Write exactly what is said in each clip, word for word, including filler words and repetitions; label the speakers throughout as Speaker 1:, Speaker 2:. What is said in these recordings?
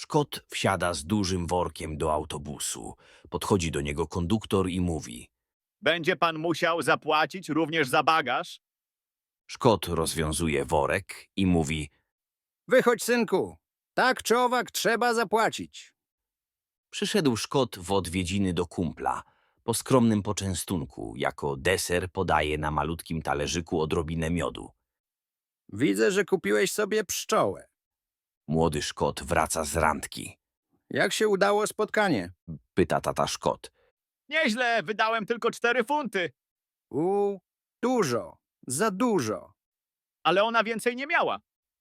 Speaker 1: Szkot wsiada z dużym workiem do autobusu. Podchodzi do niego konduktor i mówi.
Speaker 2: Będzie pan musiał zapłacić również za bagaż?
Speaker 1: Szkot rozwiązuje worek i mówi.
Speaker 3: Wychodź, synku. Tak czy owak trzeba zapłacić.
Speaker 1: Przyszedł Szkot w odwiedziny do kumpla. Po skromnym poczęstunku, jako deser podaje na malutkim talerzyku odrobinę miodu.
Speaker 3: Widzę, że kupiłeś sobie pszczołę.
Speaker 1: Młody Szkot wraca z randki.
Speaker 3: Jak się udało spotkanie?
Speaker 1: Pyta tata Szkot.
Speaker 2: Nieźle, wydałem tylko cztery funty,
Speaker 3: U, dużo, za dużo.
Speaker 2: ale ona więcej nie miała.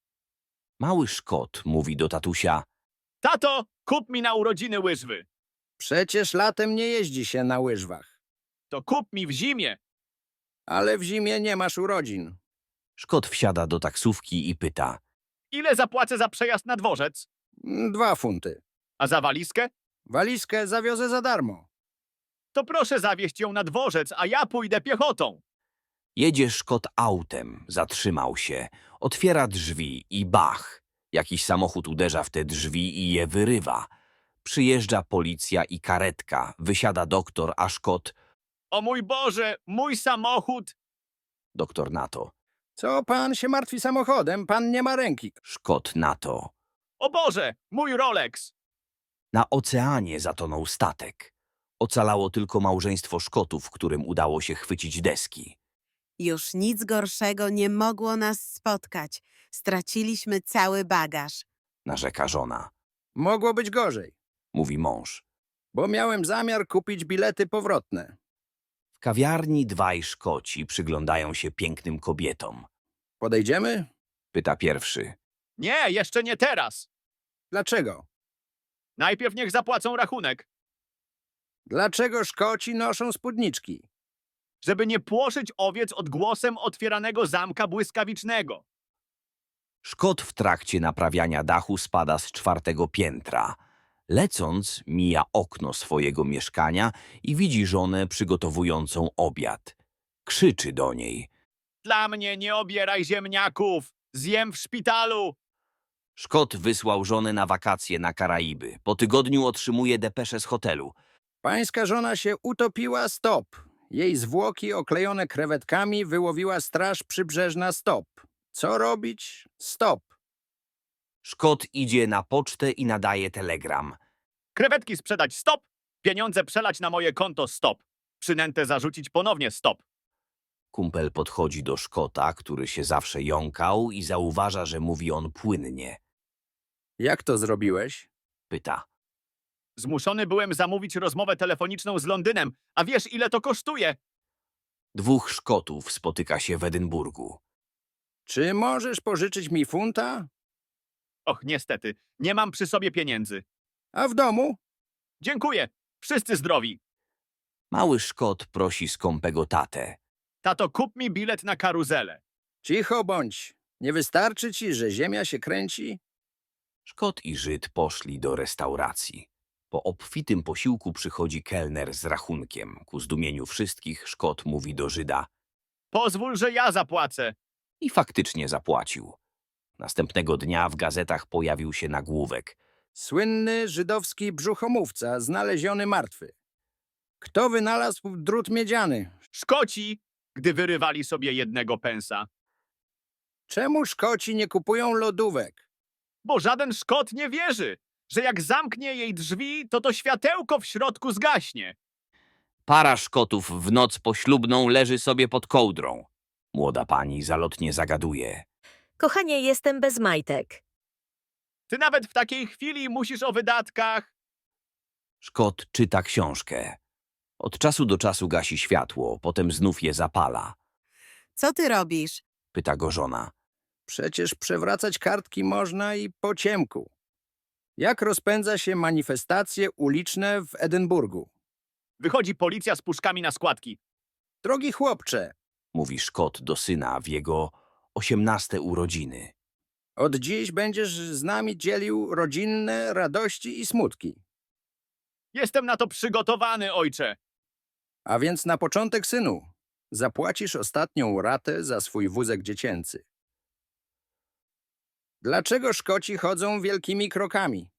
Speaker 1: Mały Szkot mówi do tatusia.
Speaker 2: Tato, kup mi na urodziny łyżwy.
Speaker 3: Przecież latem nie jeździ się na łyżwach.
Speaker 2: To kup mi w zimie.
Speaker 3: Ale w zimie nie masz urodzin.
Speaker 1: Szkot wsiada do taksówki i pyta.
Speaker 2: Ile zapłacę za przejazd na dworzec?
Speaker 3: Mm, Dwa funty.
Speaker 2: A za walizkę?
Speaker 3: Walizkę zawiozę za darmo.
Speaker 2: To proszę zawieźć ją na dworzec, a ja pójdę piechotą.
Speaker 1: Jedzie Szkot autem, zatrzymał się, otwiera drzwi i bach. Jakiś samochód uderza w te drzwi i je wyrywa. Przyjeżdża policja i karetka, wysiada doktor, a Szkot.
Speaker 2: O mój Boże, mój samochód!
Speaker 1: Doktor na to.
Speaker 3: Co pan się martwi samochodem? Pan nie ma ręki.
Speaker 1: Szkot na to.
Speaker 2: O Boże, mój Rolex!
Speaker 1: Na oceanie zatonął statek. Ocalało tylko małżeństwo Szkotów, którym udało się chwycić deski.
Speaker 4: Już nic gorszego nie mogło nas spotkać. Straciliśmy cały bagaż.
Speaker 1: Narzeka żona.
Speaker 3: Mogło być gorzej,
Speaker 1: Mówi mąż.
Speaker 3: bo miałem zamiar kupić bilety powrotne.
Speaker 1: W kawiarni dwaj Szkoci przyglądają się pięknym kobietom.
Speaker 3: Podejdziemy?
Speaker 1: Pyta pierwszy.
Speaker 2: Nie, jeszcze nie teraz.
Speaker 3: Dlaczego?
Speaker 2: Najpierw niech zapłacą rachunek,
Speaker 3: Dlaczego Szkoci noszą spódniczki?
Speaker 2: żeby nie płoszyć owiec odgłosem otwieranego zamka błyskawicznego.
Speaker 1: Szkot w trakcie naprawiania dachu spada z czwartego piętra. Lecąc, mija okno swojego mieszkania i widzi żonę przygotowującą obiad. Krzyczy do niej.
Speaker 2: Dla mnie nie obieraj ziemniaków, zjem w szpitalu.
Speaker 1: Szkot wysłał żonę na wakacje na Karaiby. Po tygodniu otrzymuje depeszę z hotelu.
Speaker 3: Pańska żona się utopiła, stop. Jej zwłoki oklejone krewetkami wyłowiła straż przybrzeżna, stop. Co robić? Stop.
Speaker 1: Szkot idzie na pocztę i nadaje telegram.
Speaker 2: Krewetki sprzedać, stop. Pieniądze przelać na moje konto, stop. Przynętę zarzucić ponownie, stop.
Speaker 1: Kumpel podchodzi do Szkota, który się zawsze jąkał i zauważa, że mówi on płynnie.
Speaker 3: Jak to zrobiłeś?
Speaker 1: Pyta.
Speaker 2: Zmuszony byłem zamówić rozmowę telefoniczną z Londynem, a wiesz, ile to kosztuje?
Speaker 1: Dwóch Szkotów spotyka się w Edynburgu.
Speaker 3: Czy możesz pożyczyć mi funta?
Speaker 2: Och, niestety, nie mam przy sobie pieniędzy.
Speaker 3: A w domu?
Speaker 2: Dziękuję, wszyscy zdrowi.
Speaker 1: Mały Szkot prosi skąpego tatę.
Speaker 2: Tato, kup mi bilet na karuzelę.
Speaker 3: Cicho bądź. Nie wystarczy ci, że ziemia się kręci?
Speaker 1: Szkot i Żyd poszli do restauracji. Po obfitym posiłku przychodzi kelner z rachunkiem. Ku zdumieniu wszystkich Szkot mówi do Żyda.
Speaker 2: Pozwól, że ja zapłacę.
Speaker 1: I faktycznie zapłacił. Następnego dnia w gazetach pojawił się nagłówek.
Speaker 3: Słynny żydowski brzuchomówca znaleziony martwy. Kto wynalazł drut miedziany?
Speaker 2: Szkoci, gdy wyrywali sobie jednego pensa.
Speaker 3: Czemu Szkoci nie kupują lodówek?
Speaker 2: Bo żaden Szkot nie wierzy, że jak zamknie jej drzwi, to to światełko w środku zgaśnie.
Speaker 1: Para Szkotów w noc poślubną leży sobie pod kołdrą. Młoda pani zalotnie zagaduje.
Speaker 5: Kochanie, jestem bez majtek.
Speaker 2: Ty nawet w takiej chwili musisz o wydatkach.
Speaker 1: Szkot czyta książkę. Od czasu do czasu gasi światło, potem znów je zapala.
Speaker 4: Co ty robisz?
Speaker 1: Pyta go żona.
Speaker 3: Przecież przewracać kartki można i po ciemku. Jak rozpędza się manifestacje uliczne w Edynburgu?
Speaker 2: Wychodzi policja z puszkami na składki.
Speaker 3: Drogi chłopcze,
Speaker 1: Mówi Szkot do syna w jego osiemnaste urodziny.
Speaker 3: od dziś będziesz z nami dzielił rodzinne radości i smutki.
Speaker 2: Jestem na to przygotowany, ojcze.
Speaker 3: A więc na początek, synu, zapłacisz ostatnią ratę za swój wózek dziecięcy. Dlaczego Szkoci chodzą wielkimi krokami?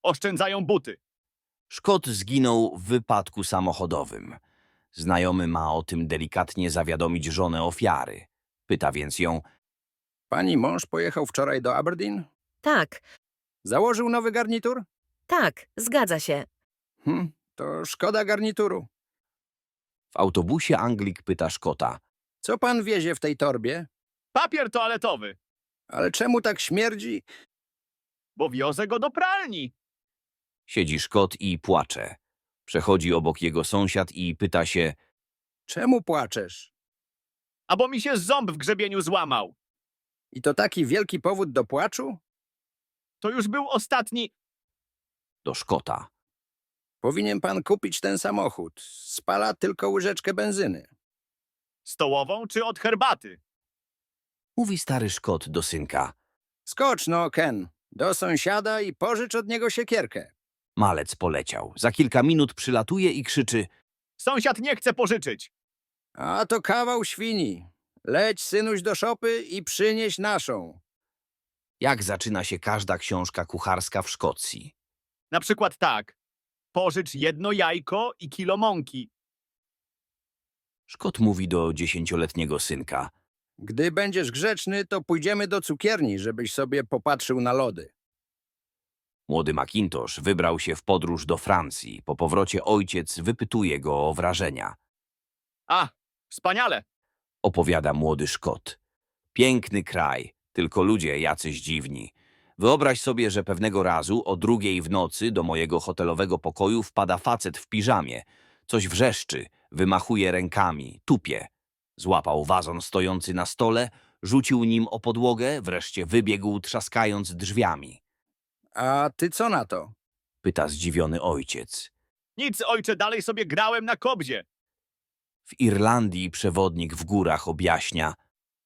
Speaker 2: Oszczędzają buty.
Speaker 1: Szkot zginął w wypadku samochodowym. Znajomy ma o tym delikatnie zawiadomić żonę ofiary. Pyta więc ją,
Speaker 3: Pani mąż pojechał wczoraj do Aberdeen?
Speaker 5: Tak,
Speaker 3: Założył nowy garnitur?
Speaker 5: tak, zgadza się.
Speaker 3: Hm, to szkoda garnituru.
Speaker 1: w autobusie Anglik pyta Szkota,
Speaker 3: Co pan wiezie w tej torbie?
Speaker 2: Papier toaletowy,
Speaker 3: Ale czemu tak śmierdzi?
Speaker 2: bo wiozę go do pralni.
Speaker 1: siedzi Szkot i płacze. Przechodzi obok jego sąsiad i pyta się,
Speaker 3: Czemu płaczesz?
Speaker 2: A bo mi się ząb w grzebieniu złamał.
Speaker 3: I to taki wielki powód do płaczu?
Speaker 2: To już był ostatni...
Speaker 1: do Szkota.
Speaker 3: Powinien pan kupić ten samochód. Spala tylko łyżeczkę benzyny.
Speaker 2: Stołową czy od herbaty?
Speaker 1: Mówi stary Szkot do synka.
Speaker 3: Skocz no, Ken, do sąsiada i pożycz od niego siekierkę.
Speaker 1: Malec poleciał. Za kilka minut przylatuje i krzyczy,
Speaker 2: Sąsiad nie chce pożyczyć.
Speaker 3: A to kawał świni. Leć, synuś, do szopy i przynieś naszą.
Speaker 1: jak zaczyna się każda książka kucharska w Szkocji.
Speaker 2: Na przykład tak. Pożycz jedno jajko i kilo mąki.
Speaker 1: Szkot mówi do dziesięcioletniego synka.
Speaker 3: Gdy będziesz grzeczny, to pójdziemy do cukierni, żebyś sobie popatrzył na lody.
Speaker 1: Młody Macintosh wybrał się w podróż do Francji. Po powrocie ojciec wypytuje go o wrażenia.
Speaker 2: A, wspaniale.
Speaker 1: Opowiada młody Szkot. Piękny kraj, tylko ludzie jacyś dziwni. Wyobraź sobie, że pewnego razu o drugiej w nocy do mojego hotelowego pokoju wpada facet w piżamie. Coś wrzeszczy, wymachuje rękami, tupie. Złapał wazon stojący na stole, rzucił nim o podłogę, wreszcie wybiegł trzaskając drzwiami.
Speaker 3: A ty co na to?
Speaker 1: Pyta zdziwiony ojciec.
Speaker 2: Nic, ojcze, dalej sobie grałem na kobzie.
Speaker 1: W Irlandii przewodnik w górach objaśnia.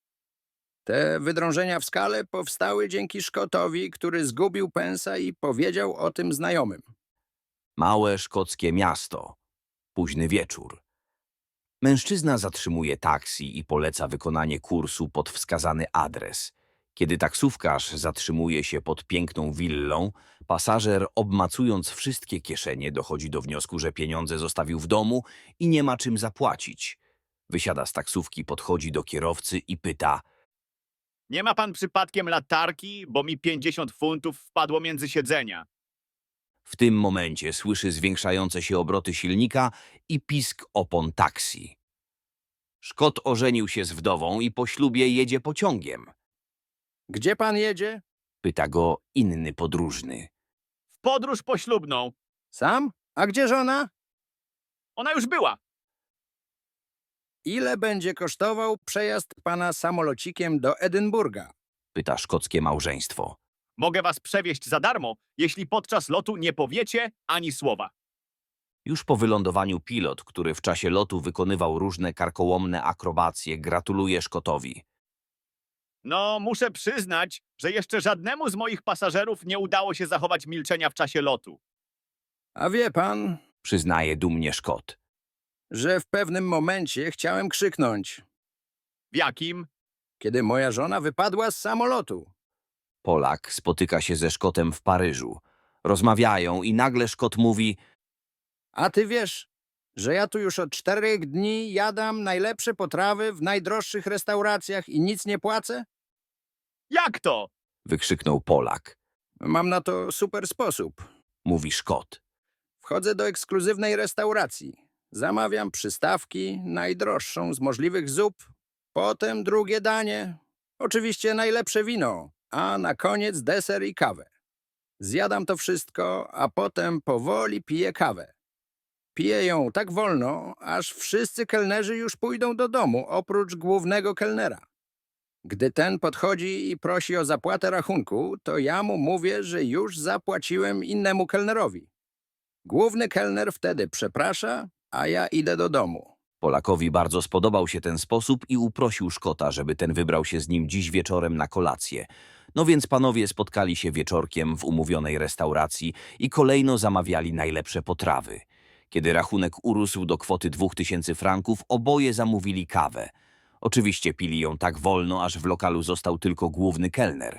Speaker 3: Te wydrążenia w skale powstały dzięki Szkotowi, który zgubił pensa i powiedział o tym znajomym.
Speaker 1: Małe szkockie miasto. Późny wieczór. Mężczyzna zatrzymuje taksi i poleca wykonanie kursu pod wskazany adres. Kiedy taksówkarz zatrzymuje się pod piękną willą, pasażer, obmacując wszystkie kieszenie, dochodzi do wniosku, że pieniądze zostawił w domu i nie ma czym zapłacić. Wysiada z taksówki, podchodzi do kierowcy i pyta:
Speaker 2: Nie ma pan przypadkiem latarki, bo mi pięćdziesiąt funtów wpadło między siedzenia.
Speaker 1: W tym momencie słyszy zwiększające się obroty silnika i pisk opon taksi. Szkot ożenił się z wdową i po ślubie jedzie pociągiem.
Speaker 3: Gdzie pan jedzie?
Speaker 1: Pyta go inny podróżny.
Speaker 2: W podróż poślubną.
Speaker 3: Sam? A gdzie żona?
Speaker 2: Ona już była.
Speaker 3: Ile będzie kosztował przejazd pana samolocikiem do Edynburga?
Speaker 1: Pyta szkockie małżeństwo.
Speaker 2: Mogę was przewieźć za darmo, jeśli podczas lotu nie powiecie ani słowa.
Speaker 1: Już po wylądowaniu pilot, który w czasie lotu wykonywał różne karkołomne akrobacje, gratuluje Szkotowi.
Speaker 2: No, muszę przyznać, że jeszcze żadnemu z moich pasażerów nie udało się zachować milczenia w czasie lotu.
Speaker 3: A wie pan,
Speaker 1: Przyznaje dumnie Szkot.
Speaker 3: że w pewnym momencie chciałem krzyknąć,
Speaker 2: W jakim?
Speaker 3: kiedy moja żona wypadła z samolotu.
Speaker 1: Polak spotyka się ze Szkotem w Paryżu. Rozmawiają i nagle Szkot mówi:
Speaker 3: A ty wiesz, że ja tu już od czterech dni jadam najlepsze potrawy w najdroższych restauracjach i nic nie płacę?
Speaker 2: Jak to?
Speaker 1: wykrzyknął Polak.
Speaker 3: Mam na to super sposób.
Speaker 1: Mówi Szkot.
Speaker 3: Wchodzę do ekskluzywnej restauracji. Zamawiam przystawki, najdroższą z możliwych zup, potem drugie danie, oczywiście najlepsze wino, a na koniec deser i kawę. Zjadam to wszystko, a potem powoli piję kawę. Piję ją tak wolno, aż wszyscy kelnerzy już pójdą do domu, oprócz głównego kelnera. Gdy ten podchodzi i prosi o zapłatę rachunku, to ja mu mówię, że już zapłaciłem innemu kelnerowi. Główny kelner wtedy przeprasza, a ja idę do domu.
Speaker 1: Polakowi bardzo spodobał się ten sposób i uprosił Szkota, żeby ten wybrał się z nim dziś wieczorem na kolację. No więc panowie spotkali się wieczorkiem w umówionej restauracji i kolejno zamawiali najlepsze potrawy. Kiedy rachunek urósł do kwoty dwóch tysięcy franków, oboje zamówili kawę. Oczywiście pili ją tak wolno, aż w lokalu został tylko główny kelner.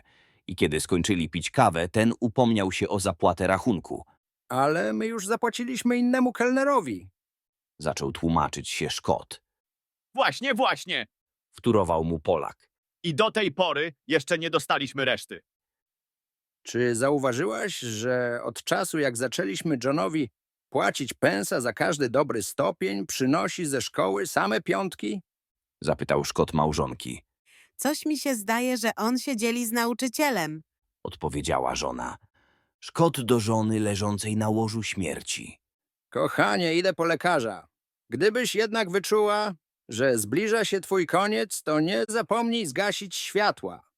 Speaker 1: I kiedy skończyli pić kawę, ten upomniał się o zapłatę rachunku.
Speaker 3: Ale my już zapłaciliśmy innemu kelnerowi.
Speaker 1: Zaczął tłumaczyć się Szkot.
Speaker 2: Właśnie, właśnie.
Speaker 1: Wtórował mu Polak.
Speaker 2: I do tej pory jeszcze nie dostaliśmy reszty.
Speaker 3: Czy zauważyłaś, że od czasu jak zaczęliśmy Johnowi płacić pensa za każdy dobry stopień, przynosi ze szkoły same piątki?
Speaker 1: Zapytał Szkot małżonki.
Speaker 4: Coś mi się zdaje, że on się dzieli z nauczycielem.
Speaker 1: Odpowiedziała żona. Szkot do żony leżącej na łożu śmierci.
Speaker 3: Kochanie, idę po lekarza. Gdybyś jednak wyczuła, że zbliża się twój koniec, to nie zapomnij zgasić światła.